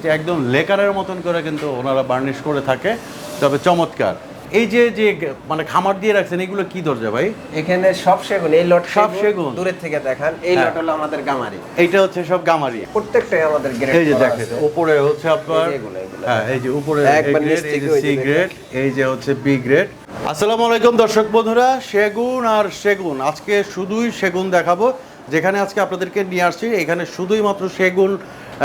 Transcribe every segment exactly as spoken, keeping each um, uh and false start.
যে একদম লেকারের মতন করে কিন্তু ওনারা বার্নিশ করে থাকে, তবে চমৎকার। এই যে যে মানে খামার দিয়ে রাখছেন, এগুলো কি দরজা ভাই? এখানে সব সেগুন, এই লট সব সেগুন। দূরের থেকে দেখান, এই লট হলো আমাদের গামারি। এইটা হচ্ছে সব গামারি, প্রত্যেকটাই আমাদের গ্রেড। এই যে দেখেন উপরে হচ্ছে আপনার, হ্যাঁ এই যে উপরে এ গ্রেড, এই যে সি গ্রেড, এই যে হচ্ছে বি গ্রেড। আসসালামু আলাইকুম দর্শক বন্ধুরা, সেগুন আর সেগুন, আজকে শুধুই সেগুন দেখাবো। যেখানে আজকে আপনাদেরকে নিয়ে আসছি, এখানে শুধুই মাত্র সেগুন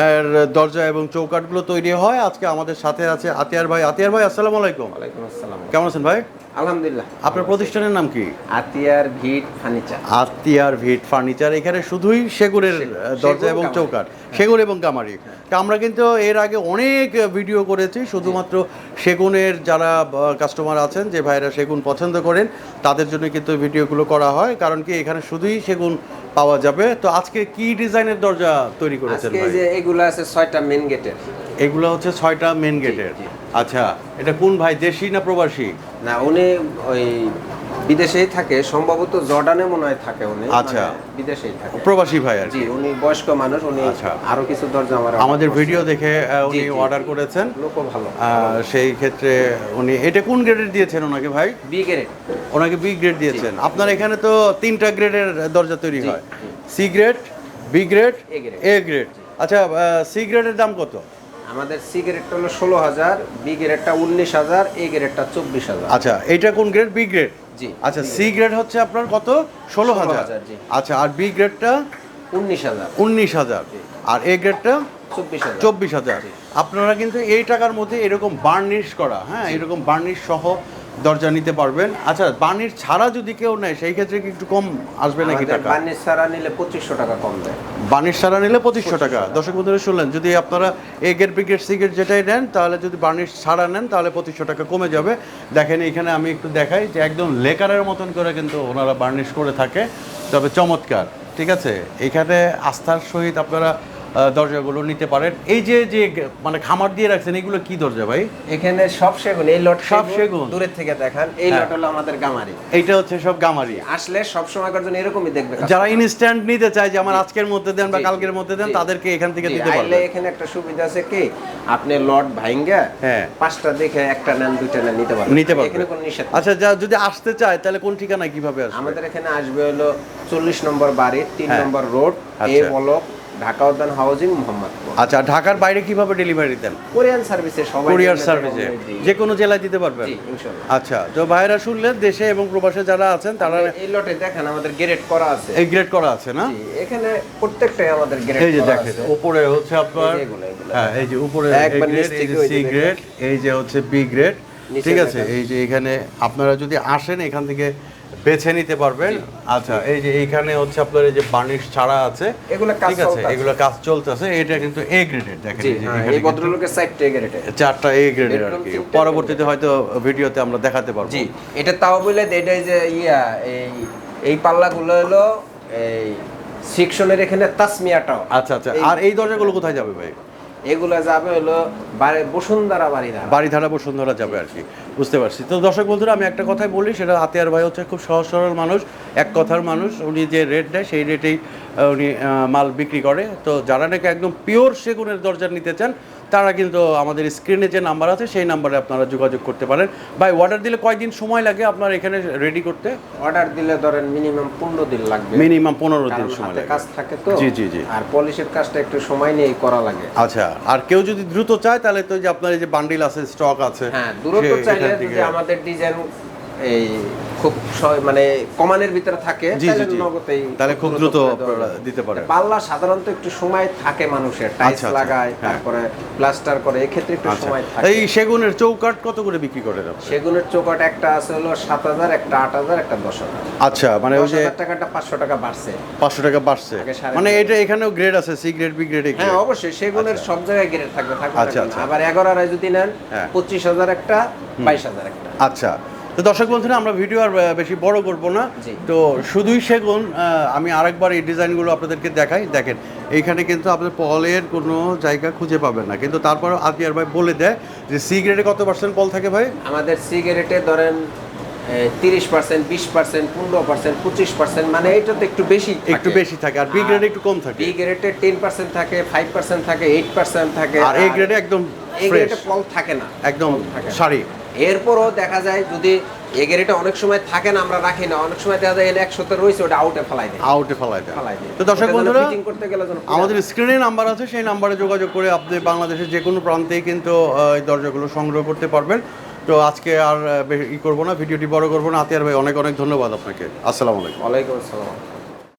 দরজা এবং চৌকাঠগুলো তৈরি হয়। আজকে আমাদের সাথে আছে আতিয়ার ভাই। আতিয়ার ভাই আসসালামু আলাইকুম। ওয়ালাইকুম আসসালাম। কেমন আছেন ভাই? আলহামদুলিল্লাহ। আপনার প্রতিষ্ঠানের নাম কি? আতিয়ার ভিট ফার্নিচার। আতিয়ার ভিট ফার্নিচার। এখানে শুধুই সেগুনের দরজা এবং চৌকাঠ, সেগুন এবং গামারি। আমরা কিন্তু এর আগে অনেক ভিডিও করেছি, শুধুমাত্র সেগুনের যারা কাস্টমার আছেন, যে ভাইরা সেগুন পছন্দ করেন, তাদের জন্য কিন্তু ভিডিওগুলো করা হয়। কারণ কি এখানে শুধুই সেগুন পাওয়া যাবে। তো আজকে কি ডিজাইনের দরজা তৈরি করেছেন ভাই? আজকে যে এগুলো আছে ছয়টা মেন গেটের। এগুলো হচ্ছে ছয়টা মেন গেটের। আচ্ছা, এটা কোন ভাই, দেশি না প্রবাসী? না, উনি ওই বিদেশেই থাকে, সম্ভবত জর্ডানে মনে হয় থাকে উনি। আচ্ছা, বিদেশেই থাকে, প্রবাসী ভাই আর জি। কি। উনি বয়স্ক মানুষ, উনি আরো কিছু দরজা আমার আমাদের ভিডিও দেখে উনি অর্ডার করেছেন। লোকও ভালো। সেই ক্ষেত্রে উনি এটা কোন গ্রেডের দিয়েছেন ওনাকে ভাই? B grade. ওনাকে বি গ্রেড দিয়েছেন। আপনার এখানে তো তিনটা গ্রেডের দরজা তৈরি হয়, C grade, B grade, A grade. আচ্ছা, সি গ্রেডের দাম কত? আমাদের সি গ্রেডটা হলো ষোলো হাজার, বি গ্রেডটা উনিশ হাজার, এ গ্রেডটা চব্বিশ হাজার। আচ্ছা, এইটা কোন গ্রেড? B grade. জি। আচ্ছা, সি গ্রেড হচ্ছে আপনার কত? ষোলো হাজার। আচ্ছা, আর বি গ্রেডটা উনিশ হাজার। উনিশ হাজার। আর এ গ্রেডটা চব্বিশ হাজার। চব্বিশ হাজার। আপনারা কিন্তু এই টাকার মধ্যে এরকম বার্নিশ করা, হ্যাঁ এরকম বার্নিশ সহ দরজা নিতে পারবেন। আচ্ছা, বার্নিশ ছাড়া যদি কেউ নেয় সেই ক্ষেত্রে কি একটু কম আসবে নাকি টাকা? বার্নিশ ছাড়া নিলে পঁচিশশো টাকা কম দেয়। বার্নিশ ছাড়া নিলে পঁচিশশো টাকা। দর্শক বন্ধুরা শুনলেন, যদি আপনারা A grade, B grade, C grade যেটাই নেন, তাহলে যদি বার্নিশ ছাড়া নেন তাহলে পঁচিশশো টাকা কমে যাবে। দেখেন এখানে আমি একটু দেখাই যে একদম লেকারের মতন করে কিন্তু ওনারা বার্নিশ করে থাকে, তবে চমৎকার। ঠিক আছে, এখানে আস্থার সহিত আপনারা দরজাগুলো নিতে পারেন। এই যে যে মানে খামার দিয়ে রাখছেন, এগুলো কি দরজা ভাই? এখানে সব সেগুন, এই লট সব সেগুন। দূরের থেকে দেখান, এই লট হলো আমাদের গামারি। এইটা হচ্ছে সব গামারি। আসলে সব সময়কার জন্য এরকমই দেখবে। যারা ইনস্ট্যান্ট নিতে চায় যে আমার আজকের মধ্যে দেন বা কালকের মধ্যে দেন, তাদেরকে এখান থেকে দিতে পারবেন। এখানে একটা সুবিধা আছে কি, আপনি লট ভাঙ্গা হ্যাঁ পাঁচটা দেখে একটা নেন, দুইটা নেন, নিতে পারবেন, নিতে পারবেন। এখানে কোনো নিষেধ। আচ্ছা, যদি আসতে চায় তাহলে কোন ঠিকানায় কিভাবে আসবে? আমাদের এখানে আসবে হলো চল্লিশ নম্বর বাড়ি, তিন number road, A block, Dhaka Udyan housing, Mohammadpur. আচ্ছা, ঢাকার বাইরে কিভাবে ডেলিভারি দেন? কোরিয়ান সার্ভিসে, সবাই কোরিয়ার সার্ভিসে যে কোনো জেলায় দিতে পারবেন? জি, ইনশাআল্লাহ। আচ্ছা, তো ভাইরা শুনলেন, দেশে এবং প্রবাসে যারা আছেন তারা এই লটে দেখেন আমাদের গ্রেড করা আছে। এই গ্রেড করা আছে না? জি, এখানে প্রত্যেকটাই আমাদের গ্রেড করা আছে। এই যে দেখেন উপরে হচ্ছে আপনার, হ্যাঁ এই যে উপরে এ গ্রেড, এই যে সি গ্রেড, এই যে হচ্ছে বি গ্রেড। ঠিক আছে, এই যে এখানে আপনারা যদি আসেন এখান থেকে বেছে নিতে পারবেন। আচ্ছা, এই যে এইখানে হচ্ছে আপনার এই যে বার্নিশ ছাড়া আছে, এগুলো কাজ ঠিক আছে, এগুলো কাজ চলতেছে। এটা কিন্তু এ গ্রেডের। দেখেন এই যে এই ভদ্রলোকের চারটে গ্রেডের, চারটা এ গ্রেডের আর কি। পরবর্তীতে হয়তো ভিডিওতে আমরা দেখাতে পারবো। জি, এটা তাও বলে এটাই যে ইয়া, এই এই পাল্লাগুলো হলো এই সেকশনের এখানে তাসমিয়াটাও। আচ্ছা আচ্ছা, আর এই দরজাগুলো কোথায় যাবে ভাই? এগুলো যাবে হলো বসুন্ধরা বাড়িধারা। বাড়িধারা বসুন্ধরা যাবে আর কি, বুঝতে পারছি। তো দর্শক বন্ধুরা, আমি একটা কথাই বলি, সেটা আতিয়ার ভাই হচ্ছে খুব সহজ সরল মানুষ, এক কথার মানুষ। উনি যে রেট দেয় সেই রেটেই উনি মাল বিক্রি করে। তো যারা নাকি একদম পিওর সেগুনের দরজা নিতে চান, তারা কিন্তু আমাদের স্ক্রিনে যে নাম্বার আছে সেই নাম্বারে আপনারা যোগাযোগ করতে পারেন। ভাই, অর্ডার দিলে কয়দিন সময় লাগে আপনার এখানে রেডি করতে? অর্ডার দিলে ধরেন মিনিমাম পনেরো দিন লাগবে। মিনিমাম পনেরো দিন সময় লাগে, কাজ থাকে তো। জি জি জি। আর পলিশের কাজটা একটু সময় নিয়ে করা লাগে। আচ্ছা, আর কেউ যদি দ্রুত চায় তাহলে তো যে আপনার এই যে বান্ডিল আছে, স্টক আছে, হ্যাঁ দ্রুত চাইলে যে আমাদের ডিজাইন এই খুব মানে কমানের ভিতরে থাকে, তাহলে খুব দ্রুত দিতে পারে। পাল্লা সাধারণত একটু সময় থাকে মানুষের, টাইলস লাগায়, তারপরে প্লাস্টার করে, এই ক্ষেত্রে একটু সময় থাকে। এই সেগুনের চৌকাঠ কত করে বিক্রি করেন? সেগুনের চৌকাঠ একটা আছে হলো সাত হাজার, একটা আট হাজার, একটা দশ হাজার। আচ্ছা, মানে ওই যে টাকাটা পাঁচশো টাকা বাড়ছে, পাঁচশো টাকা বাড়ছে। মানে এটা এখানেও গ্রেড আছে, সি গ্রেড, বি গ্রেড। হ্যাঁ অবশ্যই, সেগুনের সব জায়গায় গ্রেড থাকবে থাকবে। আচ্ছা আচ্ছা, আবার এগারো আড়াই যদি নেন, পঁচিশ হাজার একটা, বাইশ হাজার একটা। আচ্ছা, তো দর্শক বন্ধুরা, আমরা ভিডিও আর বেশি বড় করব না, তো শুধুই সেগুন। আমি আরেকবার এই ডিজাইনগুলো আপনাদেরকে দেখাই। দেখেন এইখানে কিন্তু আপনার পলের কোনো জায়গা খুঁজে পাবেন না, কিন্তু তারপরও আতিয়ার ভাই বলে দেয় যে সি গ্রেডে কত পার্সেন্ট পল থাকে ভাই? আমাদের সি গ্রেডে ধরেন তিরিশ পার্সেন্ট বিশ পার্সেন্ট পনেরো পার্সেন্ট পঁচিশ পার্সেন্ট মানে এটা তো একটু বেশি একটু বেশি থাকে আর বি গ্রেডে একটু কম থাকে। বি গ্রেডে টেন পার্সেন্ট থাকে, ফাইভ পার্সেন্ট থাকে, এইট পার্সেন্ট থাকে, আর এ গ্রেডে একদম এ ফ্রেশ, গ্রেডে ফল থাকে না, একদম থাকে না। সারি। এরপরও দেখা যায় যদি এ গ্রেডে অনেক সময় থাকে না, আমরা রাখি না, অনেক সময় দেখা যায় একশোতে রয়েছে ওটা আউটে ফেলাই দেয়, আউটে ফেলাই দেয়। ফেলাই দেয়। তো দর্শক ওটা যেন বন্ধুরা, ফিটিং করতে গেলে যেন পুরো- আমাদের স্ক্রিনে নাম্বার আছে, সেই নাম্বারে যোগাযোগ করে আপনি বাংলাদেশের যে কোনো প্রান্তেই কিন্তু আহ, এই দরজাগুলো সংগ্রহ করতে পারবেন। তো আজকে আর আহ, বে- ই করবো না, ভিডিওটি বড় করবো না। আতিয়ার ভাই, অনেক অনেক ধন্যবাদ আপনাকে। আসসালামু আলাইকুম। ওয়ালাইকুম আসসালাম।